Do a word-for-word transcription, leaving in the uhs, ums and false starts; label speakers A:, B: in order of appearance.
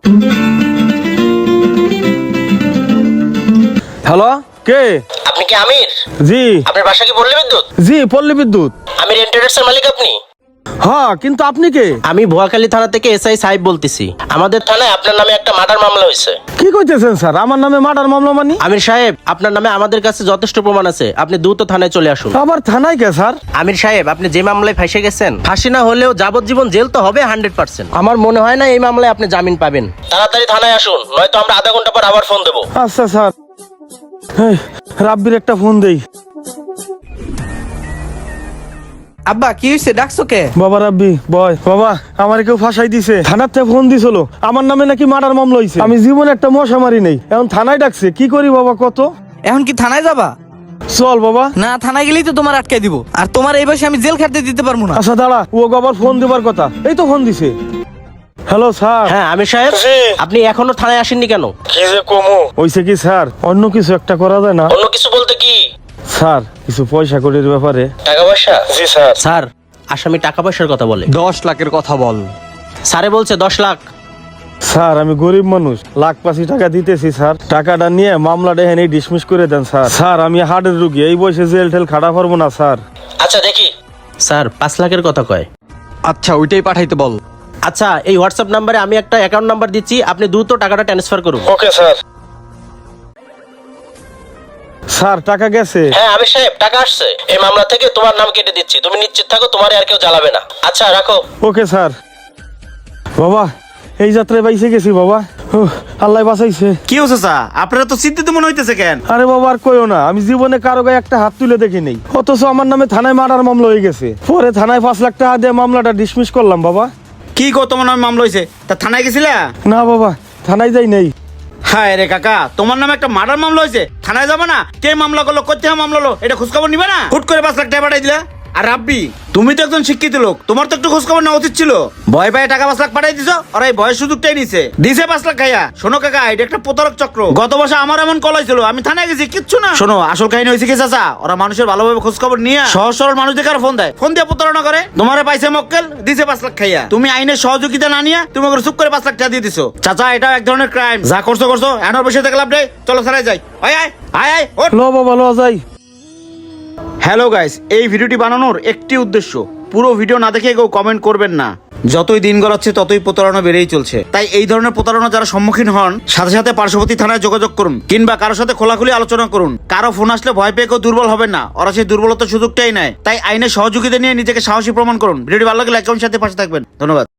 A: Hello, কে?
B: আপনি কি আমির?
A: জি।
B: আপনার বাসা কি পল্লী বিদ্যুৎ?
A: জি, পল্লী বিদ্যুৎ।
B: আমির এন্টারপ্রাইজের মালিক আপনি?
A: হ্যাঁ, কিন্তু আপনি কে?
B: আমি ভুয়াখালী থানা থেকে এসআই সাহেব বলতেছি। আমাদের থানায় আপনার নামে একটা মার্ডার মামলা হয়েছে।
A: কি কইতেছেন স্যার? আমার নামে মার্ডার মামলা মানি?
B: আমির সাহেব, আপনার নামে আমাদের কাছে যথেষ্ট প্রমাণ আছে, আপনি দ্রুত থানায় চলে আসুন।
A: আবার থানায় কে স্যার?
B: আমির সাহেব, আপনি যে মামলায় ফাঁসে গেছেন, ফাঁসি না হলেও যাবজ্জীবন জেল তো হবে হান্ড্রেড পার্সেন্ট। আমার মনে হয় না এই মামলায় আপনি জামিন পাবেন। তাড়াতাড়ি থানায় আসুন, নয়তো আমরা আধা ঘন্টা পর আবার ফোন দেবো।
A: আচ্ছা স্যার। এই, রাব্বির একটা ফোন দেই।
C: আব্বা কি হয়েছে, ডাকছো কে?
A: বাবা রাব্বি, বয় বাবা, আমার কেউ ফাঁসাই দিছে। থানার থেকে ফোন দিছিল, আমার নামে নাকি মার্ডার মামলা হইছে। আমি জীবনে একটা মশা মারি নেই, এখন থানায় ডাকছে। কি করি বাবা কত?
C: এখন কি থানায় যাবা?
A: চল বাবা।
C: না, থানায় গেলেই তো তোমার আটকে দিব, আর তোমার এই বয়সে আমি জেল খাটতে দিতে পারবো না।
A: আচ্ছা দাঁড়া, ও আবার ফোন দেবার কথা। এই তো ফোন দিছে। Hello sir.
B: হ্যাঁ আমির সাহেব, আপনি এখনো থানায় আসেননি কেন?
A: কি যে কমু হইছে কি স্যার, অন্য কিছু একটা করা যায় না?
B: অন্য কিছু বলতে কি?
A: স্যার, কিছু পয়সা কড়ির ব্যাপারে।
B: টাকা পয়সা?
A: জি স্যার।
B: স্যার, আসামি টাকা পয়সার কথা বলে।
D: দশ লাখের কথা বল।
B: স্যারে বলছে দশ লাখ।
A: স্যার, আমি গরিব মানুষ, লাখ পাঁচি টাকা দিতেছি স্যার। টাকাটা নিয়ে মামলাটা এখানে ডিসমিস করে দেন স্যার। স্যার, আমি হার্টের রুগী, এই বয়সে জেল টেল খাটা পারবো না স্যার।
B: আচ্ছা দেখি। স্যার, পাঁচ লাখের কথা কয়।
D: আচ্ছা ওইটাই পাঠাইতে বল।
B: আচ্ছা, এই হোয়াটসঅ্যাপ নাম্বারে আমি একটা অ্যাকাউন্ট নাম্বার দিচ্ছি, আপনি দ্রুত টাকাটা ট্রান্সফার করুন।
A: Okay sir. স্যার, টাকা গেছে।
B: হ্যাঁ আমির সাহেব, টাকা আসছে। এই মামলা থেকে তোমার নাম কেটে দিচ্ছি, তুমি নিশ্চিত থাকো, তোমার আর কেউ জ্বালাবে না। আচ্ছা রাখো।
A: Okay sir. বাবা, এই যাত্রায় বাইসে গেছি বাবা। উহ, আল্লাহ বাঁচাইছে।
E: কি হচ্ছে চা? আপনারা তো চিন্তিত মনে হইতেছে কেন?
A: আরে বাবা, আর কইও না, আমি জীবনে কারো গায়ে একটা হাত তুলে দেখি নেই, অথচ আমার নামে থানায় মার্ডার মামলা হয়ে গেছে। পরে থানায় পাঁচ লাখ টাকা দিয়ে মামলাটা ডিসমিস করলাম বাবা।
E: কি গো, তোমার নামে মামলা হয়েছে? তা থানায় গেছিলা?
A: না বাবা, থানায় যাই নেই।
E: হ্যাঁ রে কাকা, তোমার নামে একটা মার্ডার মামলা হয়েছে, থানায় যাবে না? কে মামলা করলো, করতে মামলা হলো, এটা খোঁজখবর নিবে না? হুট করে পাঁচ লাখ টাকা পাঠাই দিলা। আর রাব্বি, তুমি তো একজন শিক্ষিত লোক, তোমার তো একটু খোঁজখবর নেওয়া উচিত ছিল। ভয় পায়ে টাকা পাঁচ লাখ পাঠাই দিছো, আর এই ভয়ের সুযোগটাই নিছে দিছে পাঁচ লাখ খাইয়া। শোনো কাকা, এটা একটা প্রতারক চক্র। গত বছর আমার এমন কল হয়েছিল, আমি থানায় গেছি, কিচ্ছু না। শোনো, আসল কাহিনী হয়েছে কি চাচা, ওরা মানুষের ভালোভাবে খোঁজখবর নিয়ে সহজ সরল মানুষদের কারো ফোন দেয়, ফোন দিয়ে প্রতারণা করে। তোমারে পাইছে মক্কেল, দিছে পাঁচ লাখ খাইয়া। তুমি আইনের সহযোগিতা না নিয়ে তুমি ওকে চুপ করে পাঁচ লাখ টাকা দিয়ে দিছো। চাচা, এটা এক ধরনের ক্রাইম। যা করছো করছো, এনার বসে থেকে লাভ নেই, চলো থানায় যাই। আয় আয় আয় আয় ওঠ।
A: লো বাবা, লো যাই।
E: হ্যালো গাইস, এই ভিডিওটি বানানোর একটি উদ্দেশ্য, পুরো ভিডিও না দেখে কেউ কমেন্ট করবেন না। যতই দিন গড়াচ্ছে ততই প্রতারণা বেড়েই চলছে, তাই এই ধরনের প্রতারণা যারা সম্মুখীন হন, সাথে সাথে পার্শ্ববর্তী থানায় যোগাযোগ করুন, কিংবা কারোর সাথে খোলাখুলি আলোচনা করুন। কারো ফোন আসলে ভয় পেয়ে কেউ দুর্বল হবেন না, ওরা সেই দুর্বলতার সুযোগটাই নেয়। তাই আইনের সহযোগিতা নিয়ে নিজেকে সাহসী প্রমাণ করুন। ভিডিওটি ভালো লাগলে লাইক কমেন্ট সাথে পাশে থাকবেন। ধন্যবাদ।